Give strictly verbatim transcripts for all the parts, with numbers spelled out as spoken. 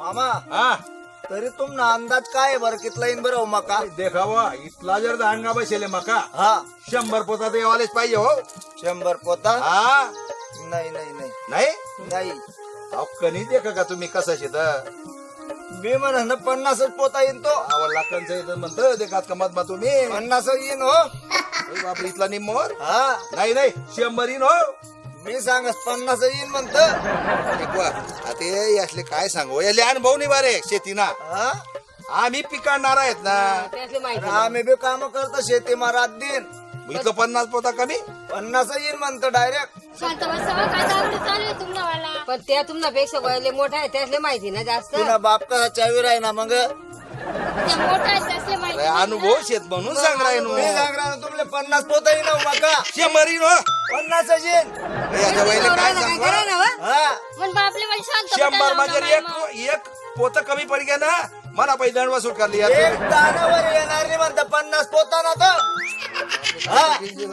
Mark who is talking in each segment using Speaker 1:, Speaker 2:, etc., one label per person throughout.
Speaker 1: मामा
Speaker 2: हा
Speaker 1: तरी तुमना अंदाज काय आहे बरं कितला येईन बरं हो मका
Speaker 2: देखावा इथला जर दांडगा बसेले मका
Speaker 1: हा
Speaker 2: शंभर पोता तर येवालेच पाहिजे हो.
Speaker 1: शंभर पोता
Speaker 2: हा
Speaker 1: नाही नाही नाही
Speaker 2: नाही
Speaker 1: नाही
Speaker 2: अहो कणी देखा का तुम्ही कसं शेत
Speaker 1: मी म्हणा पन्नासच पोता येईन तो
Speaker 2: आवडला कंच येतं म्हणतं देखात कमत मा तुम्ही
Speaker 1: पन्नास येईन हो
Speaker 2: अरे बापरे इथला निम्मोर
Speaker 1: हा
Speaker 2: नाही नाही शंभर येईन हो.
Speaker 1: मी सांगस पन्नास येईन म्हणत
Speaker 2: देखवा आता हे यातले काय सांगू याले अनुभव नाही बारे शेतीना
Speaker 1: हा
Speaker 2: आम्ही पिकाडणार आहेत ना
Speaker 3: त्यातली माहिती
Speaker 1: आम्ही बी काम करतो शेती मा रात दिन
Speaker 2: इथलं पन्नास पोता कमी
Speaker 1: पन्नास येईन म्हणतो डायरेक्ट
Speaker 4: शांत बसावं काय दावडी चालू आहे तुम्हाला
Speaker 3: पण त्या तुमच्यापेक्षा वयले मोठा आहे त्यातले माहिती ना जास्त
Speaker 1: तुला बाप कसा चावीर आहे ना मग
Speaker 4: त्या मोठा आहेत त्यासले माहिती
Speaker 2: अरे अनुभव शेत म्हणून सांग राहिनो
Speaker 1: मी सांगणार तुमले पन्नास पोता येईन हो मका
Speaker 2: शंभर येईन हो.
Speaker 1: पन्नास येईन
Speaker 2: याच्या वयले काय
Speaker 3: काय
Speaker 2: सांगू
Speaker 3: कराय ना व?
Speaker 1: हा
Speaker 4: पण बापले म्हणजे शांत
Speaker 2: शंभर
Speaker 4: बसा
Speaker 2: म्हणजे
Speaker 4: लावणं
Speaker 2: एक
Speaker 4: मामा.
Speaker 2: एक पोत कमी पड गया ना मला पाहिजे दंडवा सूट करली यार
Speaker 1: एक दानावर येणार नाही म्हणता पन्नास पोता ना तो हा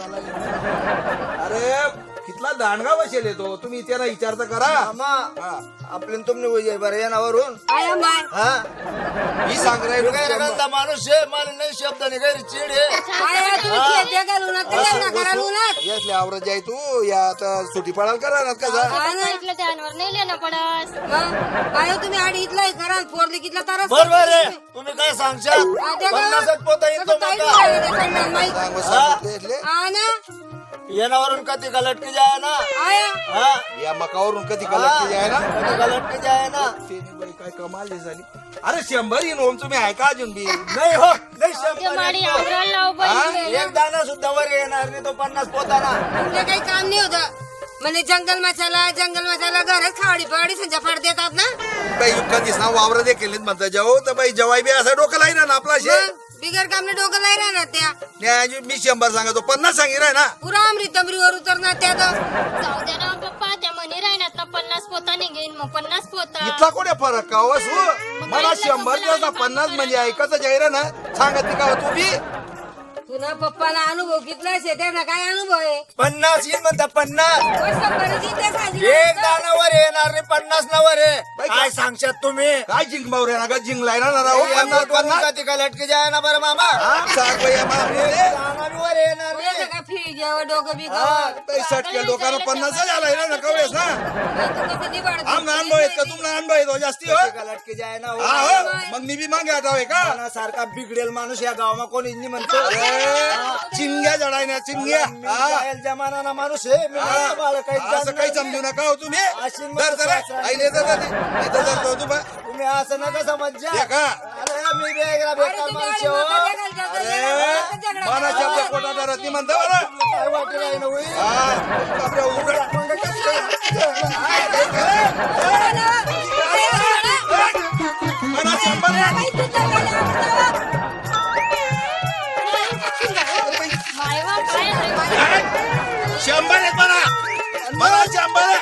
Speaker 2: अरे कितला दांडगा बसेल तो तुम्ही त्याला विचार तर करा
Speaker 1: मामा
Speaker 2: हा.
Speaker 1: आपल्या तुमने वय बरं येणावरून
Speaker 3: आया माय
Speaker 1: हा
Speaker 2: मी सांग
Speaker 1: तू
Speaker 2: राहिलो
Speaker 1: काय रगलता माणूस आहे मला नाही शब्द नाही काही चिड आहे
Speaker 3: आया तुम्ही खेळत्या का लुणात ते लग्न करा लुणात
Speaker 2: यातले आवरत जाय तू या आता सुटी पडाल करा ना कसा
Speaker 3: हा ना.
Speaker 4: सांगितलं त्यावर नाही लिहिणं पडस
Speaker 3: मग आयो तुम्ही आडी इथला करा फोरली कितला तारा
Speaker 1: बरोबर आहे तुम्ही काय सांगशाल पन्नासच पोता येईल तो मका
Speaker 3: माहिती
Speaker 2: सांग बस सांगितले यातले.
Speaker 3: हा ना
Speaker 1: येणावरून कधी का लटकी जाय ना
Speaker 3: आया
Speaker 1: हा
Speaker 2: या मकावरून कधी कलर जाय ना
Speaker 1: कधी का लटकी जाय ना
Speaker 2: ते नाही बाई, काय कमाल नाही झाली अरे शंभर येईन ओम तुम्ही ऐका अजून बी
Speaker 1: नाही हो नाही
Speaker 4: ते
Speaker 1: शंभर
Speaker 4: माडी
Speaker 1: येतो.
Speaker 4: आवरायला लाव बाई
Speaker 1: एक दाना सुद्धा वर येणार नाही तो पन्नास पोता ना
Speaker 3: तुमले काही काम नाही होत म्हणजे जंगल मसाला जंगल मसाला घरात खावडी पावडी संजा फाड देतात ना
Speaker 2: बाई कधीच ना वावर देखील म्हणता जाऊ तर बाई जवाई बी असं डोकं लाईना ना आपला शे
Speaker 3: मग बिगर कामने डोकं नाही राहणार त्या
Speaker 2: न्याय मी शंभर सांगतो पन्नास सांगी राय ना
Speaker 3: पुरा अमृत अमरीवर उतरणार त्या तर
Speaker 4: जाऊ दे ना पप्पा त्या म्हणे राहणार ना पन्नास पोता नाही घेईन मग पन्नास पोता
Speaker 2: इथला कोणी फरक का हो सु मला शंभर दिवस पन्नास म्हणजे ऐकत जाईल ना सांगत का तू बी
Speaker 3: तुला पप्पाला अनुभव कितला आहे त्यांना काय अनुभव आहे
Speaker 1: पन्नास येईल म्हणता पन्नास
Speaker 3: वर शंभराची ते साधी
Speaker 1: एक दानावर येणार नाही पन्नास नावर आहे
Speaker 2: बाई,
Speaker 1: काय सांगशात तुम्ही
Speaker 2: काय जिंक मावरे ना का जिंकलाय ना राहू
Speaker 1: एक
Speaker 2: पन्नास
Speaker 1: दानावर
Speaker 2: पन्नास
Speaker 1: कधी का लटकी जाय ना बरं मामा
Speaker 2: हा, सांग बाई आम्हाला आपले.
Speaker 1: दानावर येणार
Speaker 3: पुढे
Speaker 1: नाही
Speaker 3: का फिरी घ्यावं डोकं बी
Speaker 1: हा.
Speaker 2: बाई, सटक्या डोक्यानं पन्नास झालाय ना कवळेस ना
Speaker 3: तू कसं निभाड
Speaker 2: आमना अनुभव आहेत का तुम्हाला अनुभव येतो जास्ती हो
Speaker 1: कधी का लटकी जाय ना
Speaker 2: हा
Speaker 1: हो.
Speaker 2: हो मग मी बी मागे आठावे का
Speaker 1: सारखा बिघडेल माणूस या गावामा कोणी नाही म्हणतो
Speaker 2: अरे, चिंग्या जडाय ना चिंग्या
Speaker 1: मी
Speaker 2: हा.
Speaker 1: जायल जमाना माणूस आहे मी म्हणतो मला काही
Speaker 2: असं काही
Speaker 1: जाणणार
Speaker 2: समजू
Speaker 1: नाही.
Speaker 2: नका हो तुम्ही
Speaker 1: अशी मग
Speaker 2: धर धर
Speaker 1: सासरा-
Speaker 2: आईले धर धर. इथं धर तो तू बा.
Speaker 1: तुम्ही असं नका समजा
Speaker 2: हे का?
Speaker 1: अरे मी बेगरा बेकार माणूस आहे, हो.
Speaker 2: अरे मला शब्द पोटात धरत नाही म्हणतो बरं
Speaker 1: काय वाटलं नाही ना होई?
Speaker 2: हा बापरे, उघड.
Speaker 1: मग कसं काय?
Speaker 2: मला शंभर
Speaker 4: मायवा काय आहे?
Speaker 2: शंभर आहेत मला मला शंभर आहे.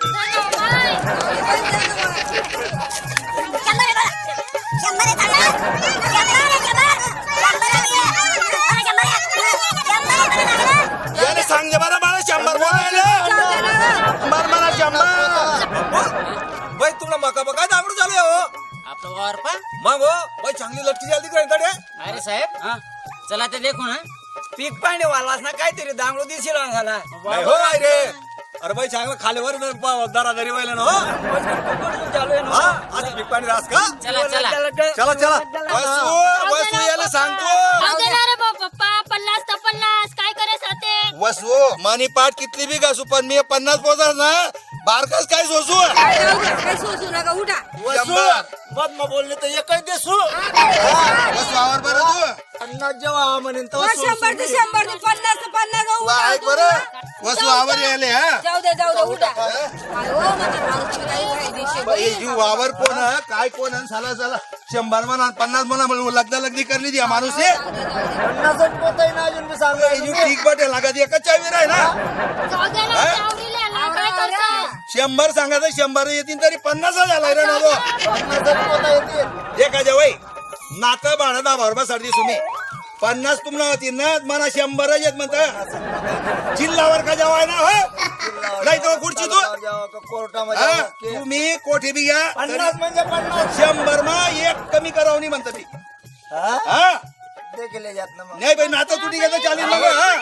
Speaker 2: याने सांगले बरं मला शंभर बोलायला शंभर मला शंभर
Speaker 1: बाई तुला मका बघा दाबडू चालू आहे, हो
Speaker 5: आपलं वावर पा
Speaker 1: मग हो बाई चांगली लटकी झाली तिकडे
Speaker 5: अरे साहेब हा चला ते देखू ना
Speaker 1: पीक पाणी वालास ना काहीतरी दांगडू दिसेल झाला हो आई रे अरे बाई चांगलं खालीवर दरादरी व्हायला ना हो चालू आहे ना आज पीक पाणी रास का
Speaker 5: चला चला
Speaker 1: चला चला वसू वसू याला सांगतो
Speaker 4: जाऊ दे ना रे बा पप्पा पन्नास तर पन्नास काय करे साते
Speaker 2: वसू मानी पाठ कितली बी घासू पण मी पन्नास पोचार ना बारकाच काय सोसू
Speaker 3: काय सोचू नका उठा
Speaker 1: वसू बदमा बोलले तर एकच देसू
Speaker 2: वसू आवर बरं तू
Speaker 1: पन्नास जेव्हा म्हणेन
Speaker 3: वर शंभर ते शंभर ते पन्नास ते पन्नास जाऊ
Speaker 2: वा, ऐक बरं वसू आवर यायले हा
Speaker 3: जाऊ दे जाऊ दे उठा अरे हो माझा भाऊ तुम्ही काही फायदेशीर
Speaker 2: बाई, ही वावर कोण हा? काय कोण आहे? साला साला शंभर म्हणा पन्नास म्हणा म्हणून लग्न लग्नी करली ती हा माणूस आहे
Speaker 1: पन्नासच पोत आहे ना अजून मी सांगतो
Speaker 2: बाई, ही ठीक बटे लागत एकच चावीर आहे ना
Speaker 4: जाऊ दे ना चावडीले ना काय करता
Speaker 2: शंभर सांगायचं शंभर येतील तरी पन्नास झालाय रे ना तो
Speaker 1: पन्नासच पोत येतील
Speaker 2: एका जवळ नातं बाळा दहा बरोबर सर्दी तुम्ही पन्नास तुम्हाला होती ना मला शंभरच येत म्हणत जिल्हावर का जवाय ना हो नाही तर खुर्ची तू
Speaker 1: कोर्टामध्ये
Speaker 2: हा? तुम्ही कोठे बी घ्या
Speaker 1: पन्नास म्हणजे पन्नास
Speaker 2: शंभर मा एक कमी करावं नाही म्हणतो मी
Speaker 1: हा?
Speaker 2: हा
Speaker 1: देखील जात ना मग
Speaker 2: नाही बाई नातं तुटी घेता चालेल मग हा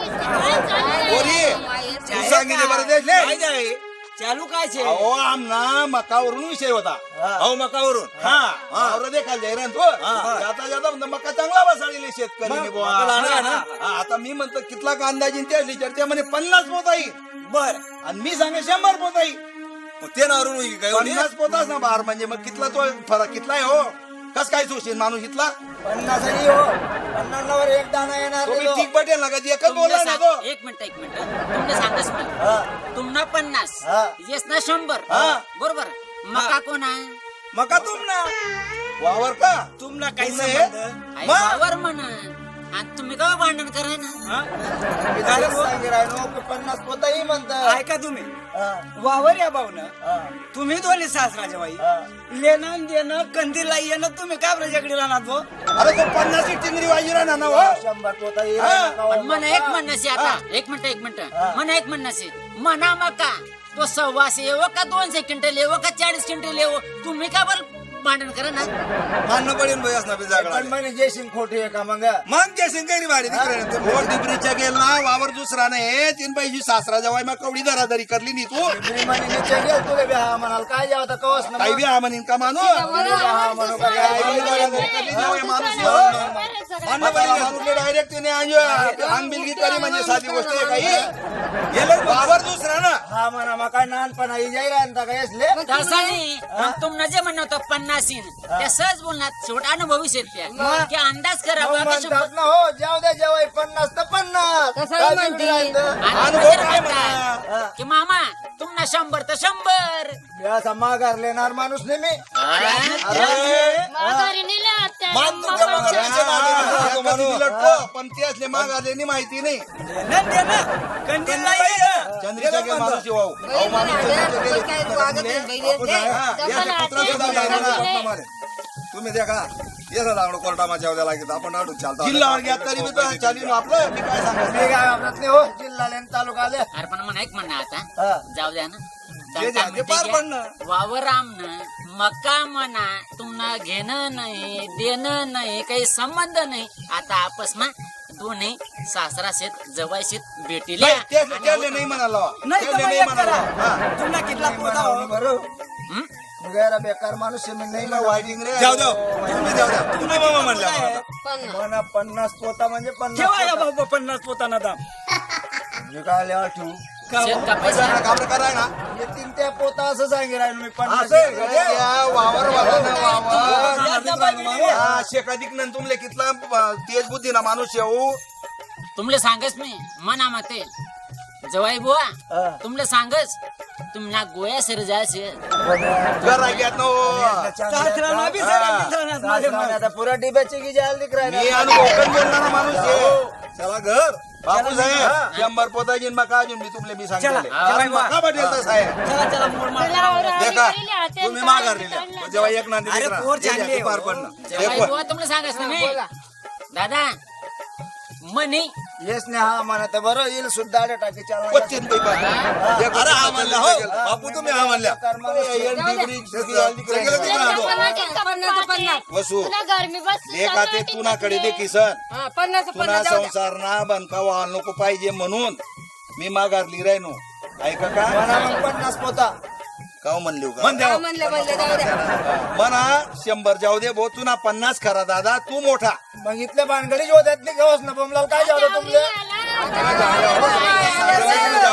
Speaker 2: बोरी तू सांगितले बरं ते ले.
Speaker 1: काय आहे? चालू काय छे
Speaker 2: अहो आमना मकावरून विषय होता
Speaker 1: हा.
Speaker 2: अहो मकावरून हा वावर देखाल जाय रे तो जाता जाता म्हणतो मका चांगला बसाडलेले शेतकरी
Speaker 1: मग, मका लहान आहे ना?
Speaker 2: आता मी म्हणतो कितला का अंदाजीन त्या चर्चा म्हणे पन्नास पोत आहे
Speaker 1: बर
Speaker 2: आणि मी सांगे शंभर पोत आहे
Speaker 1: मग ते नावरून होईल काय एवढी?
Speaker 2: पन्नास पोताच ना बार म्हणजे मग कितला तो फरक कितला आहे हो कस काय सोशील माणूस इथला
Speaker 1: पन्नास आणि हो पन्नासवर एक दाना येणार
Speaker 2: तो बी
Speaker 1: नाही
Speaker 2: ठीक पटेल ना कधी एकच बोला ना तो
Speaker 5: एक मिनिट एक मिनिट तुमने सांगस मी
Speaker 1: हा.
Speaker 5: तुमना पन्नास
Speaker 1: हा.
Speaker 5: येस ना शंभर
Speaker 1: हा.
Speaker 5: बरोबर मका कोण आहे
Speaker 1: मका तुम ना
Speaker 2: वावर का
Speaker 1: तुम ना काही
Speaker 2: तुम नाही?
Speaker 1: संबंध?
Speaker 5: आई
Speaker 1: मग?
Speaker 5: वावर म्हणा आणि तुम्ही का भांडण कराय ना
Speaker 1: हा?
Speaker 6: मी त्याला सांगे राहिलो की पन्नास पोताही म्हणतात
Speaker 1: ऐका तुम्ही
Speaker 6: हा,
Speaker 1: वावर या भाऊन
Speaker 6: हा,
Speaker 1: तुम्ही दोन्ही सासराच्या बाई
Speaker 6: हा.
Speaker 1: लेणं आणि देणं कंदीला येणं तुम्ही काय प्रजाकडे राहणार भाऊ
Speaker 2: अरे तो पन्नास टिंगरी वाजी राहणार ना हो
Speaker 6: शंभर पोताही
Speaker 2: हा.
Speaker 5: पण मला एक म्हणणं आता एक मिनिट एक मिनिट मला एक म्हणणं म्हणा मका तो सव्वाशे येवो का दोनशे क्विंटल येवो का चाळीस क्विंटल येवो तुम्ही का बरं भांडण करा ना
Speaker 2: मानणं पडेल भाई असणार बी जागडा
Speaker 6: पण म्हणे जयसिंग खोटी आहे का मग
Speaker 2: मग ते सिंगरी भारी तिकडे वोट डिबरीच्या गेला वावर दुसरा नाही तीन पैशी सासरा जवाय मग कवडी दरादरी करली नी तू
Speaker 6: मी म्हणे नीचे गेल तुला बी हा म्हणाल काय जावं तर कवच ना
Speaker 2: काही
Speaker 6: मग.
Speaker 2: बी हा म्हणीन का मानू
Speaker 6: हा म्हणू का काय?
Speaker 2: काही बी दरादरी करली जावई माणूस हो. मानणं पडेल माणूसले डायरेक्ट तिने हानबिलगी करी म्हणजे साधी गोष्ट आहे काही गेलं वावर दुसरा ना
Speaker 6: हा म्हणा मग काय लहानपणा ही जाई राहता का यसले
Speaker 5: तसं नाही पण तुम्हाला जे म्हणणं होतं पन्नासीन त्या सहज बोलणार शेवट अनुभवी शेतकऱ्या की अंदाज करा
Speaker 6: मग
Speaker 5: बाबा
Speaker 6: म्हणतात
Speaker 5: शंभर-
Speaker 6: ना हो जाऊ द्या जेवाय पन्नास तर पन्नास
Speaker 3: तसं
Speaker 6: काय
Speaker 3: म्हणते.
Speaker 6: बिघडलं राहिलं?
Speaker 5: आणि
Speaker 2: अनुभव
Speaker 5: म्हणजे
Speaker 2: काय
Speaker 5: म्हणतात
Speaker 6: म्हणा?
Speaker 5: की मामा तुम्हाला शंभर तर शंभर
Speaker 6: मी असा माघार लेणार माणूस नाही मी
Speaker 4: माघारी नेल्या आत्या.
Speaker 2: मान तुमच्या
Speaker 4: मग
Speaker 2: माघारी
Speaker 4: पंचायत.
Speaker 2: हा, तो माणूस लटको, पण ते असले माघारलेली माहिती नाही
Speaker 1: लेणं देणं कंदीला येणं
Speaker 2: चंद्रीच्या गेला माणूस येऊ अहो माणूस चंद्रीच्या गेले.
Speaker 3: काय वागत नाही बाई रे.
Speaker 2: हा,
Speaker 4: जपान
Speaker 2: या कुत्रा
Speaker 4: आत्या.
Speaker 2: सुद्धा लागला ना.
Speaker 4: जपान
Speaker 1: तुम्ही द्या का येसा लागलो कोर्टा माझ्या उद्या लागेल आपण अडून चालतो
Speaker 2: जिल्हावर घ्या तरी बी तर चालीन आपलं मी काय सांगतो
Speaker 6: मी काय वापरत नाही हो जिल्हा लेन तालुका आले
Speaker 5: अरे पण म्हणा एक म्हणणं आता
Speaker 6: हा.
Speaker 5: जाऊ द्या ना
Speaker 1: जे द्या, ते पार पडणं.
Speaker 5: वावर आमनं मका म्हणा तुम्हाला घेणं नाही देणं नाही काही संबंध नाही आता आपस मा दोन्ही सासरा शेत जवाई शेत भेटील
Speaker 2: नाही, ते- त्याले नाही म्हणाला
Speaker 1: नाही तर
Speaker 2: त्याले
Speaker 1: मग
Speaker 2: नाही
Speaker 1: एक
Speaker 2: म्हणाला
Speaker 1: करा
Speaker 2: हा.
Speaker 1: तुम्हाला कितला पोता
Speaker 6: म्हणावं
Speaker 1: हो?
Speaker 6: बरं गैरा बेकार माणूस आहे, मी नाही म्हणावं.
Speaker 2: वाईटिंग रे
Speaker 1: जाऊ द्या तुम्ही द्या द्या तुम्ही मामा म्हणल्या मला.
Speaker 3: पन्नास.
Speaker 6: म्हणा पन्नास पोता म्हणजे पन्नास
Speaker 1: ठेवा या
Speaker 6: पोता.
Speaker 1: भाऊ पन्नास पोताना दाम
Speaker 6: मी काय लिहा ठेवू
Speaker 5: शेत कापायचं
Speaker 2: पैसा काबरं कराय ना
Speaker 6: येतील त्या पोता असं सांगे राहील मी पन्नास
Speaker 2: असं आहे का ते? या वावर वाला ना वावर
Speaker 1: या त्या बाई गेली.
Speaker 2: हा, शेकाधिक नंतर तुमले कितला अ, तेज बुद्धी ना माणूस येऊ
Speaker 5: तुमले सांगच मी मना मते जवाई बुवा
Speaker 6: हा.
Speaker 5: तुमले सांगच तुम्हाला गोया सर जायचे
Speaker 2: घर घेत नो
Speaker 1: सासऱ्याला बी सगळ्या मित्रांना माझे
Speaker 6: सासऱ्याने आता पुऱ्या डिब्याची की जायला दिख
Speaker 2: मी
Speaker 6: राहिला
Speaker 2: अनुभव बोलणारा माणूस आहे चला घर बापू साहेब शंभर पोता घेऊन मका अजून मी तुमले मी
Speaker 1: चला.
Speaker 2: सांगितले
Speaker 1: चला.
Speaker 2: मका बटेल तर साहेब
Speaker 1: चला चला मोड मार
Speaker 4: लावरा
Speaker 2: देखा
Speaker 4: गेली आत्या.
Speaker 2: तुम्ही माघारलेल्या जेव्हा एक नांदी
Speaker 1: अरे,
Speaker 2: लेकरा,
Speaker 1: पोर
Speaker 2: हे
Speaker 1: चांगली
Speaker 2: घ्या,
Speaker 1: आहे,
Speaker 2: पार
Speaker 1: हो.
Speaker 2: पडणं
Speaker 5: जवाई
Speaker 2: एक
Speaker 5: बुवा तुमले सांगच ना मी
Speaker 3: बोला.
Speaker 5: दादा मनी
Speaker 6: येस नाही हा म्हणत बरं येईल सुद्धा आडे टाकी चालवा
Speaker 2: पच्चीन पैकी पार. एक
Speaker 1: अरे हा
Speaker 2: पच्चीन
Speaker 1: म्हणला
Speaker 2: पैकी
Speaker 1: हो
Speaker 2: गेला.
Speaker 1: बापू तुम्ही हा म्हणल्या
Speaker 6: बेकार माणूस आहे.
Speaker 2: एल डिग्री, सगळी डिग्री गेलं तिकडं
Speaker 4: तुला
Speaker 2: आलो.
Speaker 4: पन्नास एक
Speaker 3: पन्नास तर पन्नास.
Speaker 2: वसू
Speaker 4: तुला गरमी बस
Speaker 2: एक ते तुनाकडे दे किसन
Speaker 3: हा, पन्नास तर
Speaker 2: तुना
Speaker 3: पन्नास जाऊ द्या.
Speaker 2: संसार ना बनका व्हायला नको पाहिजे म्हणून मी माघारली राहिनो ऐका का
Speaker 6: म्हणा मग पन्नास पोता
Speaker 2: का म्हणले का
Speaker 1: म्हण द्या
Speaker 3: हा, म्हणले म्हणले जाऊ द्या.
Speaker 2: म्हणा शंभर जाऊ दे भो तुना पन्नास खरा दादा तू मोठा
Speaker 6: मग इथल्या भानगडीच होत्यात नाही गवस ना बोमलाल काय जाऊ तुमले
Speaker 3: आता काय झालं?